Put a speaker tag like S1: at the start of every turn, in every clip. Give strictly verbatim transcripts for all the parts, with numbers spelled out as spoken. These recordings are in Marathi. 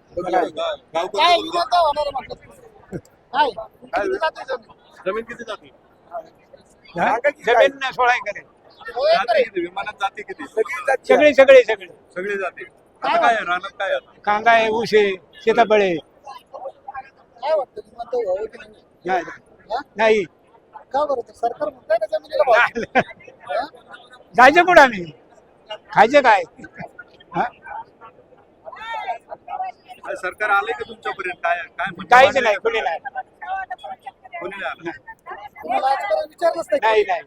S1: काय विमानतळ होणार आहे म्हटलं? काय किती जाते जमीन?
S2: जमीन किती जाते
S3: जमीन सोळा एकर आहे.
S1: हो, एक
S2: जाते
S1: आहे.
S2: किती विमानात जाते किती
S3: सगळे सगळे सगळे
S2: सगळी जाते आता काय आहे? रानात काय आहे?
S3: कांदा आहे, ऊस आहे, सीताफळ आहे.
S1: काय वाटतं विमानतळ व्हावं की नाही?
S3: नाही
S1: हा?
S3: नाही.
S1: का बरं ते सरकार म्हणतंय ना जमिनीला भाव. हा?
S3: जायचं कुठं आम्ही खायचं काय हा?
S2: काय सरकार आले का तुमच्यापर्यंत काय काय म्हणणं
S3: काहीच
S2: मांडलंय
S3: नाही
S2: का?
S3: कुणी नाही
S2: कोणी नाही आलं
S1: तुम्हाला आजपर्यंत विचारलंच नाही
S3: नाही नाही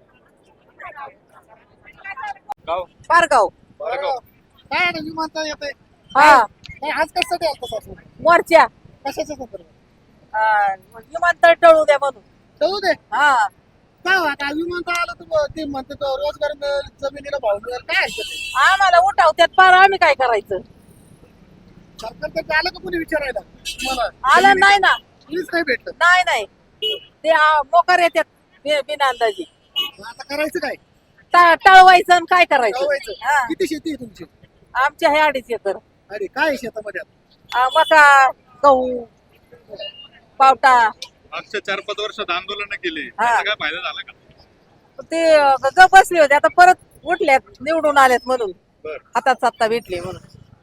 S2: गाव
S4: पारगाव
S2: बरं
S1: काय आता विमानतळ येतंय
S4: हा
S1: काय आज कशासाठी आलं सासू
S4: मोर्चा
S1: कशाच्या संदर्भात
S4: हा, विमानतळ टळू द्या म्हणून
S1: कळू दे
S4: हा
S1: काय हो, आता विमानतळ आलं तर ते म्हणते तो रोजगार मिळेल जमिनीला भाव मिळेल काय ऐकत आहे?
S4: आम्हाला उठावत्यात पार आम्ही काय करायचं
S1: सरकार तर आलं का कोणी विचारायला तुम्हाला
S4: आलं नाही ना
S1: कोणीच नाही भेटलं
S4: नाही नाही ते आ, मोकार येतात बि- बिना अंदाजी
S1: मग आता करायचं काय
S4: टा- टळवायचं आणि काय करायचं
S1: कळवायचं
S4: हा.
S1: किती शेती आहे तुमची
S4: आमच्या हे अडीच एकर
S1: अरे काय आहे शेतामध्ये आता?
S4: आ, मका गहू पावटा
S2: मागच्या चार पाच वर्षात आंदोलन केले
S4: हा.
S2: त्याचा काय फायदा झाला का
S4: ते अ, ग बसले होते आता परत उठल्यात निवडून आलेत म्हणून
S2: बर
S4: हातात सत्ता भेटली म्हणून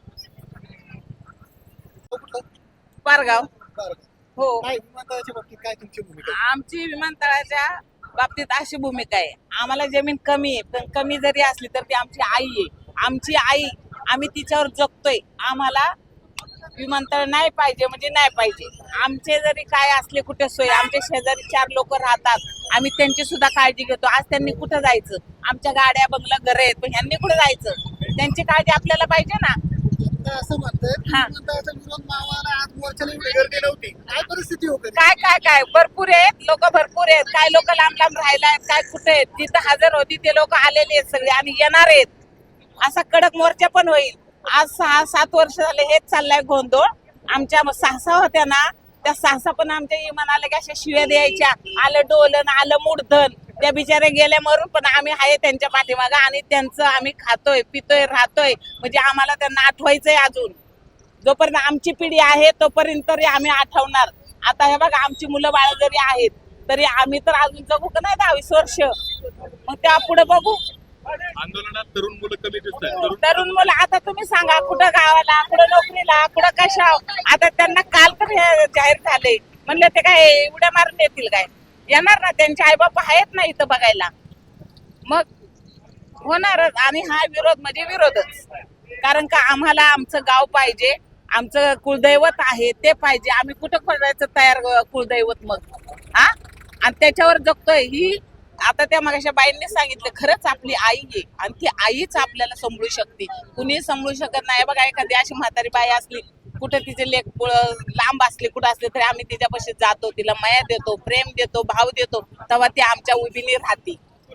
S1: तो कुठला?
S4: पारगाव
S1: बरं.
S4: हो
S1: काय विमानतळाच्या बाबतीत काय तुमची भूमिका आहे?
S5: आमची विमानतळाच्या बाबतीत अशी भूमिका आहे आम्हाला जमीन कमी आहे पण कमी जरी असली तर ती आमची आई आहे आमची आई आम्ही तिच्यावर जगतोय आम्हाला विमानतळ नाही पाहिजे म्हणजे नाही पाहिजे आमचे जरी काय असले कुठे सोय आमच्या शेजारी चार लोक राहतात आम्ही त्यांची सुद्धा काळजी घेतो आज त्यांनी कुठं जायचं आमच्या गाड्या बंगला घर आहेत पण ह्यांनी कुठं जायचं त्यांची काळजी आपल्याला पाहिजे ना
S1: आता असं म्हणतात की
S5: हा.
S1: विमानतळाचा विरोध मावाला आज मोर्चाला एवढी गर्दी नव्हती काय परिस्थिती होती
S5: काय काय काय भरपूर आहेत लोक भरपूर आहेत काय लोक लांब लांब राहिला आहेत काय कुठे आहेत जिथं हजर होती ते लोक आलेले आहेत सगळे आणि येणार आहेत असा कडक मोर्चा पण होईल आज सहा सात वर्ष झाले हेच चाललंय गोंधळ आमच्या सहसा होत्या ना त्या सहसा पण आमच्या इमानाला की अशा शिव्या द्यायच्या आलं डोलन आलं मूडधन त्या बिचाऱ्या गेल्या मरून पण आम्ही आहे त्यांच्या पाठीमागं आणि त्यांचं आम्ही खातोय पितोय राहतोय म्हणजे आम्हाला त्यांना आठवायचंय अजून जोपर्यंत आमची पिढी आहे तोपर्यंत तरी आम्ही आठवणार आता हे बघा आमची मुलं बाळ जरी आहेत तरी आम्ही तर अजून जगू का नाही दहावीस वर्ष मग त्या पुढे बघू
S2: आंदोलनात तरुण मुलं कमी दिसत आहेत तरुण
S5: तरुण मुलं आता तुम्ही सांगा कुठं गावाला कुठं नोकरीला कुठं कशा आता त्यांना काल तर हे जाहीर झाले म्हणलं ते काय उड्या मारून येतील काय येणार ना त्यांचे आईबाप आहेत ना इथं बघायला मग होणारच आणि हा विरोध म्हणजे विरोधच कारण का आम्हाला आमचं गाव पाहिजे आमचं कुलदैवत आहे ते पाहिजे आम्ही कुठं खोदायचं तयार कुलदैवत मग हा आणि त्याच्यावर जगतोय ही आता त्या मागाच्या बाईंनी सांगितलं खरंच आपली आई आहे आणि ती आईच आपल्याला सांभाळू शकते कुणी सांभाळू शकत नाही बघा एखादी अशी म्हातारी बाई असली कुठं तिचे लेख लांब असले कुठं असले तरी आम्ही तिच्यापाशी जातो तिला माया देतो प्रेम देतो भाव देतो तेव्हा ती आमच्या उभीने राहते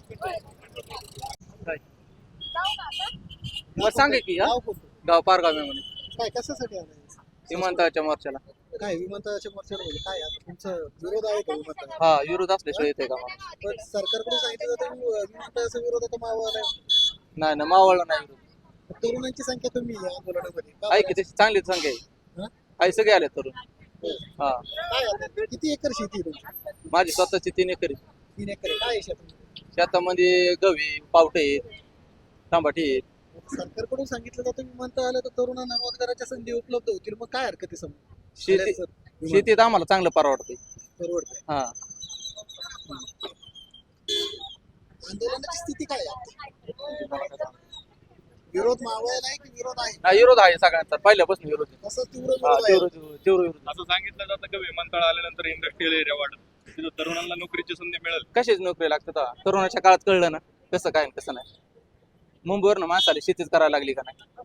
S6: सांगे की हा?
S1: गाव कोणतं?
S6: गाव पारगाव मेमणे
S1: काय कशासाठी आलं
S6: विमानतळाच्या मोर्चाला
S1: काय विमानतळाच्या मोर्चाला म्हणजे काय आता तुमचा विरोध आहे का विमानतळ
S6: हा विरोध असल्याशिवाय येते का मला
S1: पण सरकारकडून सांगितलं जातं की विमानतळाचा विरोध आता मावाला आहे.
S6: नाही ना मावळला नाही विरोध
S1: तरुणांची संख्या कमी आहे आंदोलनामध्ये का
S6: आहे
S1: बरं?
S6: की तशी चांगली संख्या आहे
S1: हा?
S6: आहे सगळे आले तरुण हा
S1: काय आता? किती एकर शेती आहे तुमची
S6: माझी स्वतःची तीन एकरी
S1: तीन एकर आहे. काय आहे शेतामध्ये
S6: शेतामध्ये गवी पावटे आहेत टमाटे आहेत
S1: सरकारकडून सांगितलं जातं विमानतळ आलं तर तरुणांना रोजगाराच्या संधी उपलब्ध होतील मग काय हरकत आहे समोर
S6: शेती शेतीत आम्हाला चांगलं परवडते
S1: परवडतं
S6: हा
S1: आंदोलनाची स्थिती काय आहे विरोध मावळला आहे की विरोध आहे
S6: हा विरोध आहे सगळ्यांचा पहिल्यापासून विरोध आहे.
S1: कसं तीव्र
S6: हा
S1: विरोध आहे
S6: तीव्र तीव्र विरोध
S2: असं सांगितलं जातं की विमानतळ आल्यानंतर इंडस्ट्रियल एरिया वाढत तिथं तरुणांना नोकरीची संधी मिळेल
S6: कशाच नोकरी लागतात हा? तरुणाच्या काळात कळलं ना कसं काय आणि कसं नाही मुंबईवर ना माणसाला शेतीच करायला लागली का नाही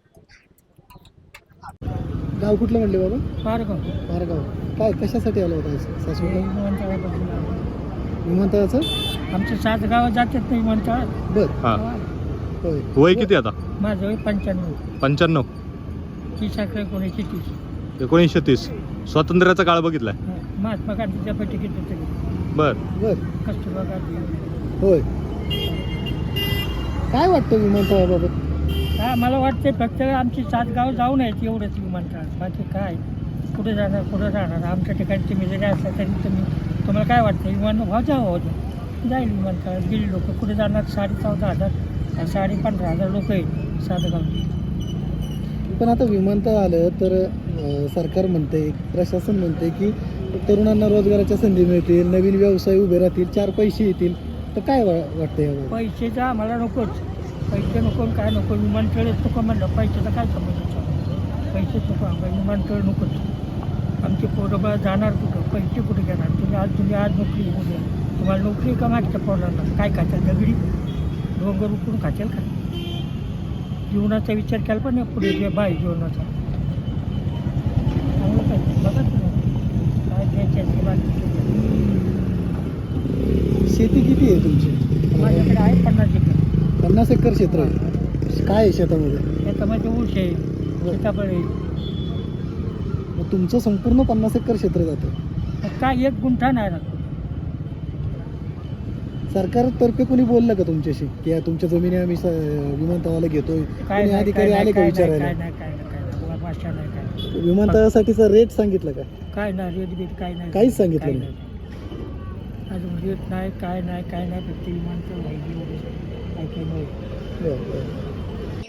S1: गाव कुठलं म्हणले बाबा
S7: पारगाव
S1: पारगाव काय कशासाठी आलं होतं सासू
S7: विमानतळापासून
S1: विमानतळाचं
S7: आमचे सात गावं जातात ना विमानतळात
S1: बर होय
S2: वय किती आता
S7: माझं वय पंच्याण्णव
S2: पंच्याण्णव
S7: तीस अकरा एकोणीसशे तीस
S2: एकोणीसशे तीस स्वातंत्र्याचा काळ बघितलाय
S7: महात्मा गांधीच्या बैठकीत होते
S2: बर
S1: बर
S7: कस्तुरबा गांधी
S1: होय काय वाटतं विमानतळाबाबत
S7: काय मला वाटते फक्त आमची सात गाव जाऊन यायची एवढंच विमानतळ बाकी काय कुठे जाणार कुठं जाणार आमच्या ठिकाणी तुम्ही जरी असलं तरी तुम्ही तुम्हाला काय वाटतं विमान व्हा जावं होतं जाईल विमानतळ गेली लोक कुठे जाणार साडे चौदा हजार आणि साडे पंधरा हजार लोक आहेत सात गावची.
S1: पण आता विमानतळ आलं तर अं, सरकार म्हणते प्रशासन म्हणते की तरुणांना रोजगाराच्या संधी मिळतील नवीन व्यवसाय उभे राहतील चार पैसे येतील तर काय वा वाटतं यावर
S7: पैसेचं आम्हाला नकोच पैसे नको काय नको विमानतळच नको म्हणलं पैशाचा काय संबंध पैसेच नको आम्हाला विमानतळ नकोच. आमचे पोरं बा जाणार कुठं पैसे कुठे घेणार तुम्ही आज तुम्ही आज नोकरी उद्या तुम्हाला नोकरी का मागच्या पोरांना काय खात्याल दगडी डोंगर उकळून खात्याल का जीवनाचा विचार केला पण नाही पुढे जे बाय जीवनाचा चांगलं काय बघा तुम्ही काय द्यायचे बाकी
S1: शेती किती आहे तुमची
S7: माझ्याकडे आहे पन्नास एकर
S1: पन्नास एकर क्षेत्र आहे काय आहे शेतामध्ये
S7: त्याच्यामध्ये ऊस आहे सीताफळ आहे
S1: मग तुमचं संपूर्ण पन्नास एकर क्षेत्र जातं
S7: मग काय एक गुंठा नाही राहतो.
S1: सरकारतर्फे कोणी बोललं का तुमच्याशी की या तुमच्या जमिनी आम्ही स- विमानतळाला घेतोय
S7: काय
S1: कोणी
S7: नाही
S1: अधिकारी
S7: काय
S1: आले
S7: नाही
S1: का
S7: काय नाही
S1: विचारायला
S7: काय नाही काय नाही काय नाही बुवा, भाषा नाही काय
S1: विमानतळासाठीचा रेट सांगितलं का
S7: काय नाही रेट बीट काय नाही
S1: काहीच सांगितलं
S7: काय
S1: नाही.
S7: अजून रेट नाही काय नाही काय नाही फक्त विमानतळ व्हायची एवढं. काय काय नाही
S1: बरं, बरं.